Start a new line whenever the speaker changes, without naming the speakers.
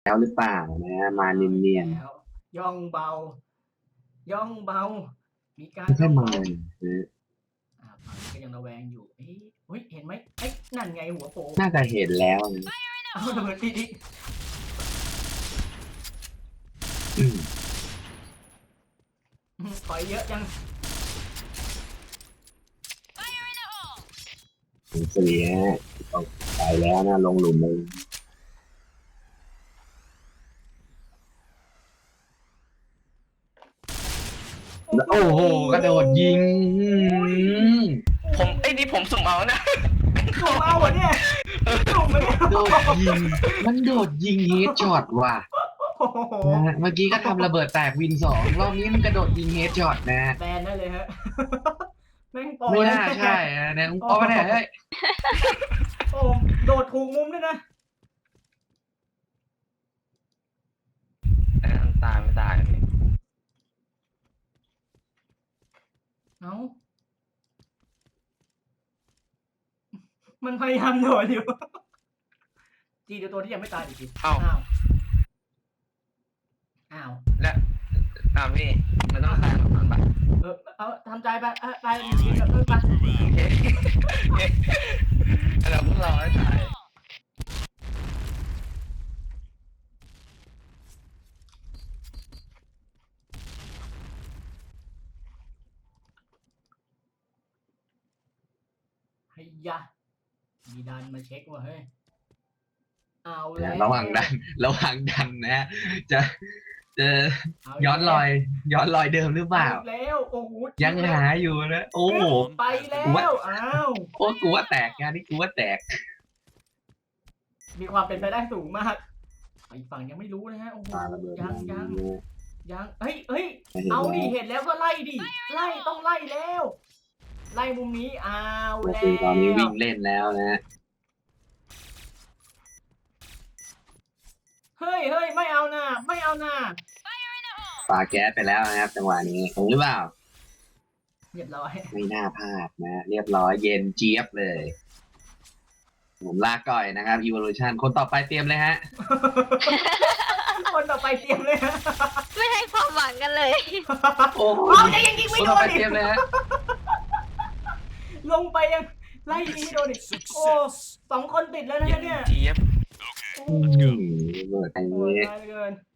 แล้วหรือเปล่านะมาเนียน
แล้วย่องเบา ย่องเบา มีการ
ๆไม่ค่
ย่
อ
อย ง
มา
เบา
นะ
ฝั่งนี้ก็ยังระแวงอยู่เฮ้ยเห็นไหมนั่นไงหัวโผล่
น่าจะเห็นแล้วนะ
เอาระเบิดดิ
อืม
ถอยเยอะจัง
ถึงสี่ฮะตกไปแล้วนะลงหลุมเลยโอ้โหกระโดดยิง
นี่ผมสุ่มเอานะ
ถูกเอาเหรอเนี่ยถูกไหมเนี่ย
โดดยิงมันโดดยิงเฮดช็อตว่ะ
โอ้โห
นะฮะเมื่อกี้ก็ทำระเบิดแตกวิน2รอบนี้มันกระโดดยิงเฮดช็อตนะ
แบนได้เลยฮะแม่งโป
ไม่น่าใช่นะเนี่ยเพราะว่าเนี่ยเฮ้ย
โอ้โดดถูกมุมด้วยนะ
ตายไม่ตายนี่
เอ้ามันพยายามโดดอยู่จีเดี๋ยวตัวที่ยังไม่ตายอีกทีอ้าว
และพี่มันต้องตายก่อนปะ
เอาทำใจไปไปดีกับเพื่อนไป
โอเคเราพวกเราให้ตาย
เฮ้ยยะมีดันมาเช็คว่าเฮ้ยเอาแล้ว
ระหว่างดันนะจะย้อนรอยเดิมหรือเปล่า
แล้วโอ้โห
ยังหาอยู่นะโอ้โห
ไปแล้วอ้าว
โอ้กูว่าแตกงานนี้กูว่าแตก
มีความเป็นไปได้สูงมากอีกฝั่งยังไม่รู้นะฮะโอ้โห
ปาระเบิด
ยังเฮ้ยเอาดิเห็นแล้วก็ไล่ดิไล่ต้องไล่แล้วไล่มุมนี้เอา
ก็
แล้
คือตอนนี้วิ่
ว
งเล่นแล้วนะ
เฮ้ยไม่เอาหน้าไม่เอาหน้า
ปาแก๊สไปแล้วนะครับจังหวะนี้ถูกหรือเปล่า
เรียบร้อย
ไม่น่าพลาดนะ เรียบร้อยเย็นเจี๊ยบเลย ผมลาก่อยนะครับ Evolution คนต่อไปเตรียมเลยฮะ
คนต่อไปเตรียมเลยฮะ
ไม่ให้ความหวังกันเลย
โอ้โห
เอาจะยิง
ค
ไม่
น
โด
ต่อไป
น
เตรียมเลยฮะ
ลงไปยังไล่ยิงไม่โดนอีกโอ้2 คนติดแล้วนะเนี่ย
เจี๊ยบ
โอ้
อืมเบิดไอ้
โห
นี้
ตายเหลือเกิน